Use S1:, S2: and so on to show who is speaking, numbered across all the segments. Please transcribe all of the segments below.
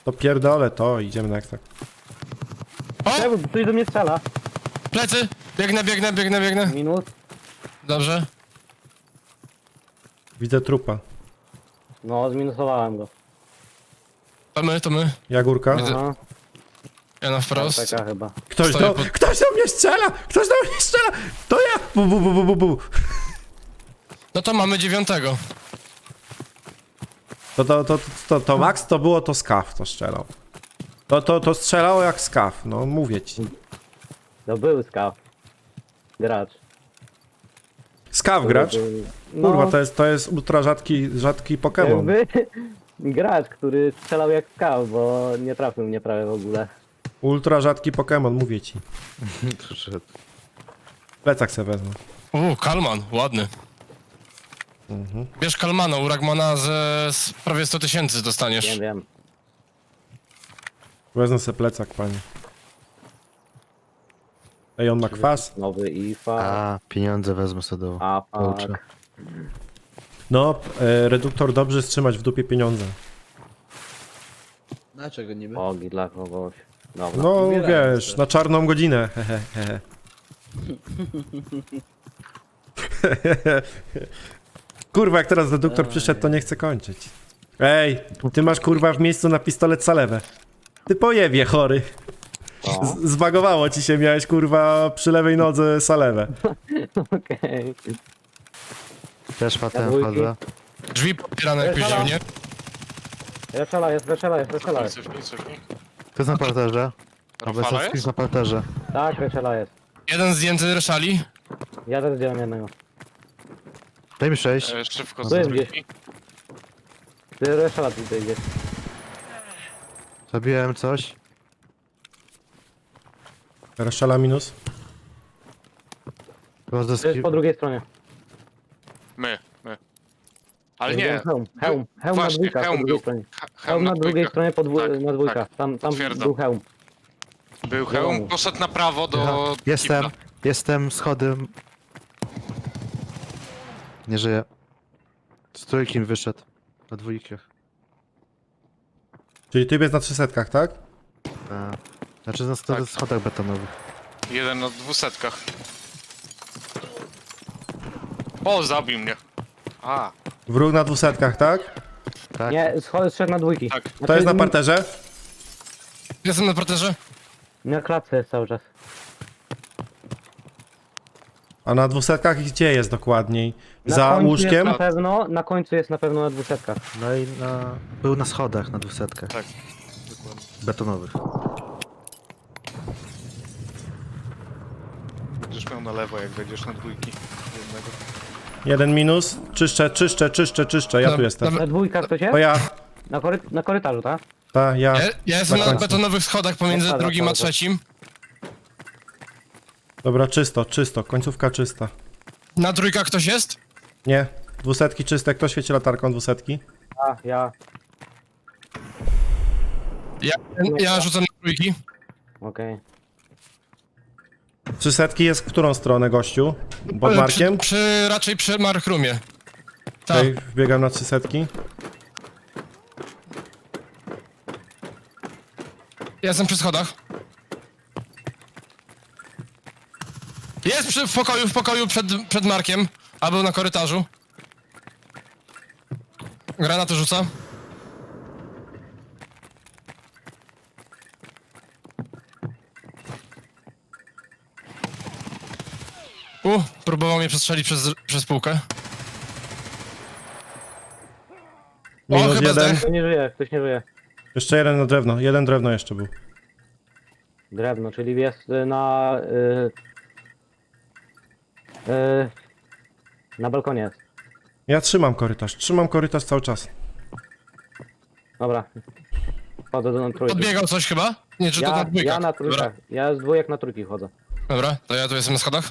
S1: To pierdolę to, idziemy na ekstra.
S2: O!
S3: Ktoś do mnie strzela.
S2: Plecy! Biegnę.
S3: Minus.
S2: Dobrze.
S1: Widzę trupa.
S3: No, zminusowałem go.
S2: To my.
S1: Jagórka.
S2: Widzę.
S3: Aha,
S2: Ja na wprost.
S3: taka chyba.
S1: Ktoś
S2: Stoję
S1: do,
S2: pod-
S1: ktoś do mnie strzela! Ktoś do mnie strzela! To ja! Bu.
S2: No to mamy 9.
S1: To Max to było to Skaw to strzelał. To strzelało jak Skaw, no mówię ci.
S3: To był skaw. Gracz.
S1: Skaw gracz?
S3: No,
S1: Kurwa, to jest ultra rzadki Pokémon.
S3: jakby gracz, który strzelał jak skaw, bo nie trafił mnie prawie w ogóle.
S1: Ultra rzadki Pokémon, mówię ci.
S4: Przyszedł.
S1: Plecak se wezmę.
S2: Kalman, ładny. Bierz Kalmana, u Ragmana z prawie 100 000 dostaniesz.
S3: Wiem.
S1: Wezmę se plecak, panie. Ej, on ma kwas?
S3: Nowy IFA.
S4: A, pieniądze wezmę sobie do...
S3: A,
S4: Pouczę.
S3: fuck.
S1: No, reduktor dobrze trzymać w dupie pieniądze.
S5: Dlaczego niby?
S3: Ogi dla kogoś. Dobra.
S1: No
S5: Ubierałem
S1: wiesz,
S5: się.
S1: na czarną godzinę. Hehe. Kurwa, jak teraz reduktor przyszedł, to nie chce kończyć. Ej, ty masz kurwa w miejscu na pistolet salewę. Ty pojebie, chory.
S3: O,
S1: Zbagowało ci się, miałeś kurwa przy lewej nodze salewę.
S3: okej.
S4: Też patem
S3: Jadłki.
S4: wchodzę.
S2: Drzwi popierane jakoś
S3: Weszala.
S2: dziwnie.
S3: Reszala jest.
S6: Cofnij.
S4: To jest na parterze.
S6: Rafala
S4: Obecowski
S6: jest?
S4: na parterze.
S3: Tak, reszala jest.
S2: Jeden zdjęty ryszali.
S3: Ja też zdjąłem jednego.
S4: Daj mi 6.
S6: Szybko
S3: Tu
S6: z
S3: jest
S6: trójki.
S3: Ty reszala tutaj idzie.
S4: Zabiłem coś.
S1: Reszala minus.
S3: To jest
S4: Rozdeski...
S3: po drugiej stronie.
S6: My. Ale nie.
S3: Hełm na
S6: Właśnie,
S3: dwójkach po
S6: hełm
S3: drugiej
S6: był.
S3: stronie.
S6: Hełm
S3: Hełm na drugiej
S6: dwójkach.
S3: stronie
S6: Tak,
S3: na dwójkach.
S6: tak.
S3: Tam
S6: Potwierdzam.
S3: był hełm.
S6: Był hełm, poszedł na prawo do...
S4: Jestem,
S6: kibla.
S4: jestem, schody. Nie żyję. Z trójki mi wyszedł. Na dwójkach.
S1: Czyli ty jest na 300, tak?
S4: Znaczy na
S6: Tak.
S4: schodach betonowych.
S6: Jeden na 200. O, zabił mnie. A,
S1: Wróg na 200, tak?
S4: Tak.
S3: Nie, szedł na dwójki.
S6: tak.
S1: To jest na parterze?
S2: Jestem na parterze.
S3: Na klatce jest cały czas.
S1: A na 200 gdzie jest dokładniej?
S3: Na
S1: Za
S3: końcu
S1: łóżkiem?
S3: Jest na pewno, na końcu jest na pewno na 200.
S4: No i był na schodach na 200.
S6: Tak. Dokładnie.
S4: Betonowych.
S6: Będziesz miał na lewo, jak wejdziesz na dwójki. Jednego.
S1: Jeden minus. Czyszczę. Ja tu jestem.
S3: Na dwójkach to się?
S1: To ja.
S3: Na korytarzu, tak?
S1: Ja.
S2: Ja jestem
S1: Na
S2: na
S1: końcu.
S2: betonowych schodach pomiędzy
S3: Dobra,
S2: drugim a
S3: dobra.
S2: trzecim.
S1: Dobra, czysto. Końcówka czysta.
S2: Na trójkach ktoś jest?
S1: Nie. 200 czyste. Kto świeci latarką 200?
S3: Ja.
S2: Ja rzucam na trójki.
S3: Okej.
S1: 300 jest w którą stronę, gościu? Pod Markiem?
S2: Raczej przy Markrumie. Tak.
S1: Okej, wbiegam na 300.
S2: Ja jestem przy schodach. Jest w pokoju przed Markiem. A był na korytarzu. Granaty rzuca. Próbował mnie przestrzelić przez półkę.
S1: Minus
S2: chyba
S1: jeden.
S2: zdech.
S3: Ktoś nie żyje.
S1: Jeszcze jeden na drewno. Jeden drewno jeszcze był.
S3: Drewno, czyli jest na balkonie jest.
S1: Ja trzymam korytarz cały czas.
S3: Dobra. Chodzę na trójki.
S2: Podbiegał coś chyba? Nie, czy to na dwójkach?
S3: Ja na trójkach. Ja z dwójek na trójki chodzę.
S2: Dobra, to ja tu jestem na schodach.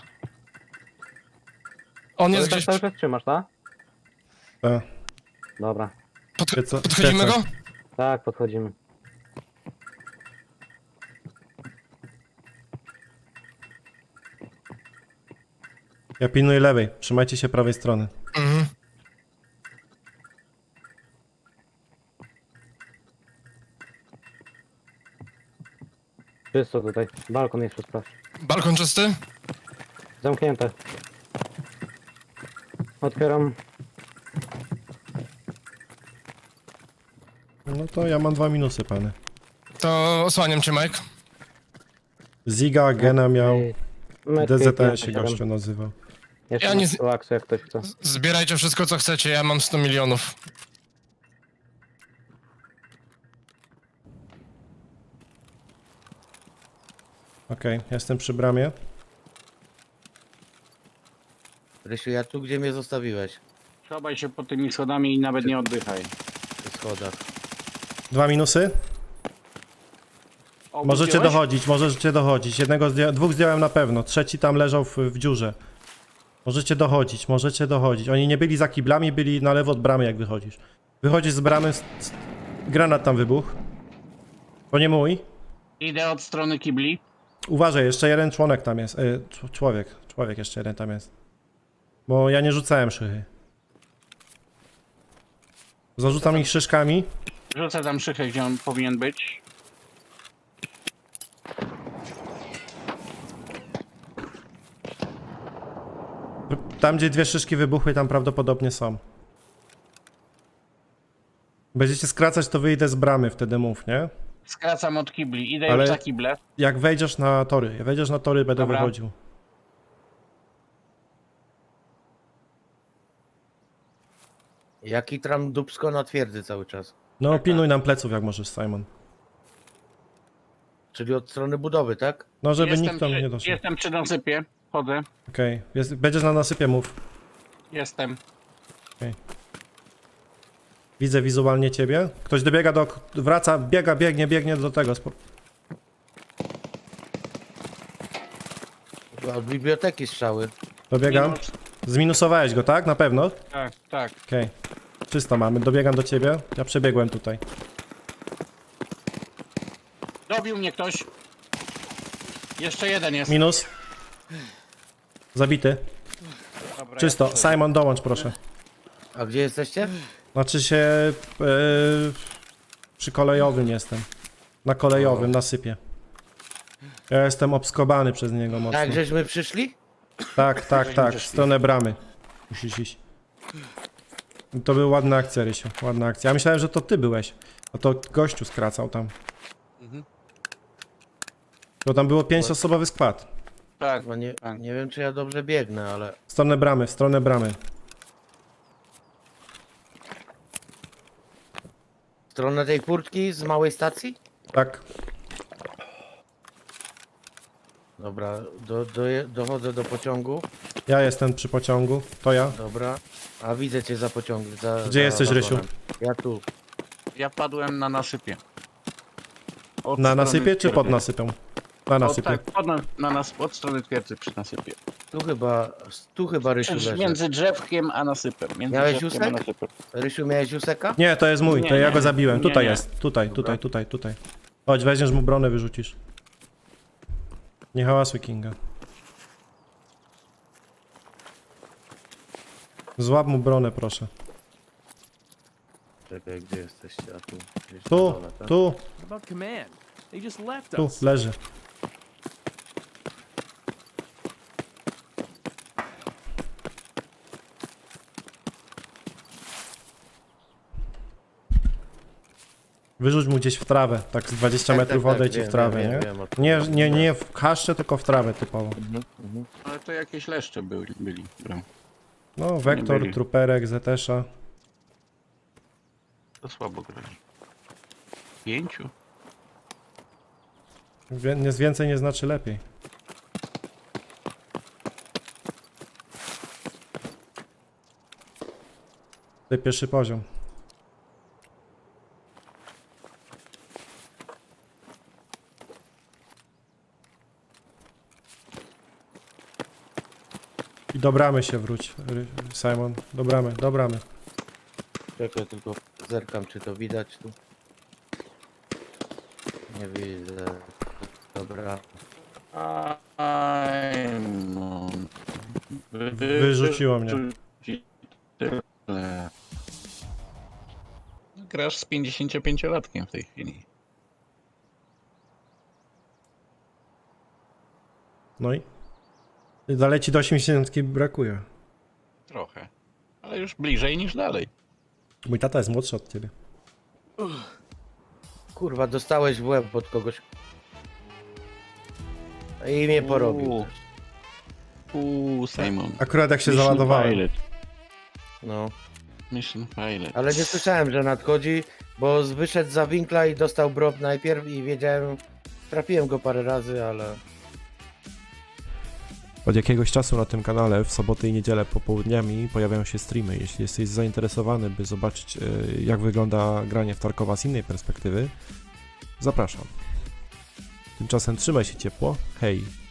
S2: On jest
S3: Korytarz
S2: gdzieś...
S3: cały czas trzymasz, tak?
S1: Tak.
S3: Dobra.
S2: Podchodzimy
S1: Świecę.
S2: go?
S3: Tak, podchodzimy.
S1: Ja pilnuję lewej. Trzymajcie się prawej strony.
S2: Mhm.
S3: Czysto tutaj. Balkon jest czysto.
S2: Balkon czysty?
S3: Zamknięte. Otwieram.
S1: No to ja mam 2 minusy, pany.
S2: To osłaniam cię, Mike.
S1: Ziga, Gena miał,
S3: Metki
S1: DZN
S3: 5,
S1: się
S3: 7.
S1: gościu nazywał.
S3: Jeszcze
S2: Ja
S3: ja
S2: nie
S3: nie... Aksu, jak ktoś chce.
S2: Zbierajcie wszystko, co chcecie, ja mam 100 milionów.
S1: Okej, jestem przy bramie.
S5: Rysiu, ja tu, gdzie mnie zostawiłeś?
S7: Schowaj się pod tymi schodami i nawet nie oddychaj.
S5: Przy schodach.
S1: 2 minusy.
S7: O,
S1: Możecie
S7: widziałeś?
S1: dochodzić, możecie dochodzić. Dwóch zdjąłem na pewno, trzeci tam leżał w dziurze. Możecie dochodzić, możecie dochodzić. Oni nie byli za kiblami, byli na lewo od bramy, jak wychodzisz. Wychodzisz z bramy, granat tam wybuchł. To nie mój.
S7: Idę od strony kibli.
S1: Uważaj, jeszcze jeden członek tam jest. Człowiek jeszcze jeden tam jest. Bo ja nie rzucałem szychy. Zarzucam ich szyszkami.
S7: Rzucę tam szychę, gdzie on powinien być.
S1: Tam, gdzie 2 szyszki wybuchły, tam prawdopodobnie są. Będziecie skracać, to wyjdę z bramy, wtedy mów, nie?
S7: Skracam od kibli. Idę
S1: Ale-
S7: już za kible.
S1: Jak wejdziesz na tory, będę
S7: Dobra.
S1: wychodził.
S5: Jaki tram dupsko na twierdzy cały czas.
S1: No, pilnuj nam pleców, jak możesz, Simon.
S5: Czyli od strony budowy, tak?
S1: No, żeby
S7: Jestem
S1: nikt tam
S7: przy-
S1: nie doszedł.
S7: Jestem przy nasypie. Chodzę.
S1: Okej, będziesz na nasypie, mów.
S7: Jestem.
S1: Widzę wizualnie ciebie. Ktoś dobiega wraca, biegnie do tego.
S5: Chyba od biblioteki strzały.
S1: Dobiegam.
S7: Minus.
S1: Zminusowałeś go, tak? Na pewno?
S7: Tak, tak.
S1: Okej. Czysto mamy, dobiegam do ciebie. Ja przebiegłem tutaj.
S7: Dobił mnie ktoś. Jeszcze jeden jest.
S1: Minus. Zabity.
S7: Dobra,
S1: Czysto.
S7: ja tu-
S1: Simon, dołącz proszę.
S5: A gdzie jesteście?
S1: Znaczy się... przy kolejowym jestem. Na kolejowym, na sypie. Ja jestem obskobany przez niego mocno.
S5: Tak, żeśmy przyszli?
S1: Tak, w stronę bramy. Musisz iść. To była ładna akcja, Rysiu, ładna akcja. Ja myślałem, że to ty byłeś. A to gościu skracał tam. To tam było 5-osobowy skład.
S7: Tak.
S5: Chyba nie wiem, czy ja dobrze biegnę, ale...
S1: W stronę bramy.
S5: W stronę tej furtki z małej stacji?
S1: Tak.
S5: Dobra, dochodzę do pociągu.
S1: Ja jestem przy pociągu. To ja.
S5: Dobra. A widzę cię za pociągiem.
S1: Gdzie jesteś, Rysiu?
S5: Ja tu.
S7: Ja padłem na nasypie. Od
S1: Na
S7: strony
S1: nasypie czy
S7: twierdzy.
S1: pod nasypem? Na
S7: O,
S1: nasypie.
S7: tak, od strony twierdzy przy nasypie.
S5: Tu chyba Rysiu leży.
S7: Między drzewkiem a nasypem. Między
S5: Miałeś
S7: drzewkiem a
S5: ósmek?
S7: nasypem.
S5: Rysiu, miałeś useka?
S1: Nie, to jest mój, to
S7: Nie,
S1: ja
S7: nie.
S1: go zabiłem.
S7: Nie,
S1: Tutaj
S7: nie.
S1: jest. Tutaj.
S5: Dobra.
S1: Chodź, weźmiesz mu bronę, wyrzucisz. Nie hałasuj, Kinga. Złap mu bronę, proszę.
S5: Czekaj, gdzie jesteście? A tu. Gdzieś na
S1: Tu,
S5: dole, tak?
S1: tu,
S8: What about command? They just left
S1: tu,
S8: us.
S1: leży. Wyrzuć mu gdzieś w trawę, tak z 20
S5: Tak,
S1: metrów
S5: tak, tak,
S1: odejdź i w
S5: wiem,
S1: trawę,
S5: wiem,
S1: nie?
S5: wiem, o czym
S1: Nie w kaszcze, tylko w trawę typowo.
S7: Ale to jakieś leszcze byli. Bram.
S1: No, Wektor,
S7: byli.
S1: Truperek, Zetesza.
S7: To słabo grali. 5?
S1: Więcej nie znaczy lepiej. Tutaj pierwszy poziom. I do bramy się wróć, Simon. Do bramy.
S5: Czekaj, tylko zerkam, czy to widać tu. Nie widzę. Dobra.
S7: No.
S1: Wyrzuciło mnie.
S7: Tyle. Grasz z 55-latkiem w tej chwili.
S1: No i daleci do 80 brakuje.
S7: Trochę. Ale już bliżej niż dalej.
S1: Mój tata jest młodszy od ciebie.
S5: Kurwa, dostałeś w łeb od kogoś. I mnie porobił.
S7: Simon.
S1: Akurat jak się
S7: Mission
S1: załadowałem.
S7: failed.
S5: No.
S7: Mission failed.
S5: Ale nie słyszałem, że nadchodzi, bo wyszedł za winkla i dostał brop najpierw i wiedziałem, trafiłem go parę razy, ale...
S1: Od jakiegoś czasu na tym kanale w soboty i niedzielę popołudniami pojawiają się streamy. Jeśli jesteś zainteresowany, by zobaczyć jak wygląda granie w Tarkowa z innej perspektywy, zapraszam. Tymczasem trzymaj się ciepło. Hej!